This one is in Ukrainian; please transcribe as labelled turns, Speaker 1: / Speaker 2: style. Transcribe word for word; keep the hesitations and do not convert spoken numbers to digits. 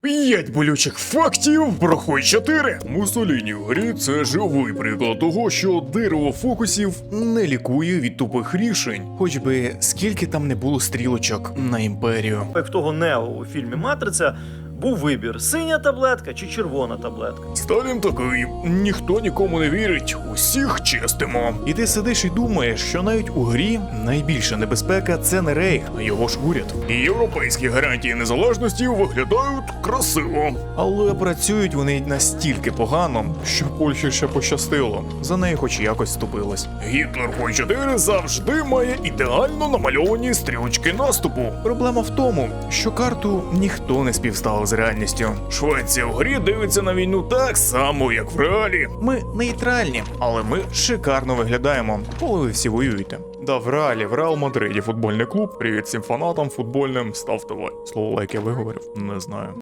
Speaker 1: П'ять болючих фактів про Хой чотири. Муссоліні в грі – це живий приклад того, що дерево фокусів не лікує від тупих рішень. Хоч би скільки там не було стрілочок на імперію.
Speaker 2: Як в того Нео у фільмі «Матриця» був вибір: синя таблетка чи червона таблетка.
Speaker 1: Сталін такий: ніхто нікому не вірить, усіх чистимо. І ти сидиш і думаєш, що навіть у грі найбільша небезпека – це не Рейх, а його ж уряд. І європейські гарантії незалежності виглядають красиво. Але працюють вони настільки погано, що Польщі ще пощастило. За неї хоч якось вступилась. Гітлер Хой чотири завжди має ідеально намальовані стрілочки наступу. Проблема в тому, що карту ніхто не співставив з реальністю. Швеція в грі дивиться на війну так само, як в реалі. Ми нейтральні, але ми шикарно виглядаємо, коли ви всі воюєте. Да, в реалі, в Реал Мадриді футбольний клуб. Привіт всім фанатам футбольним, ставте лайк. Слово лайк я виговорив? Не знаю.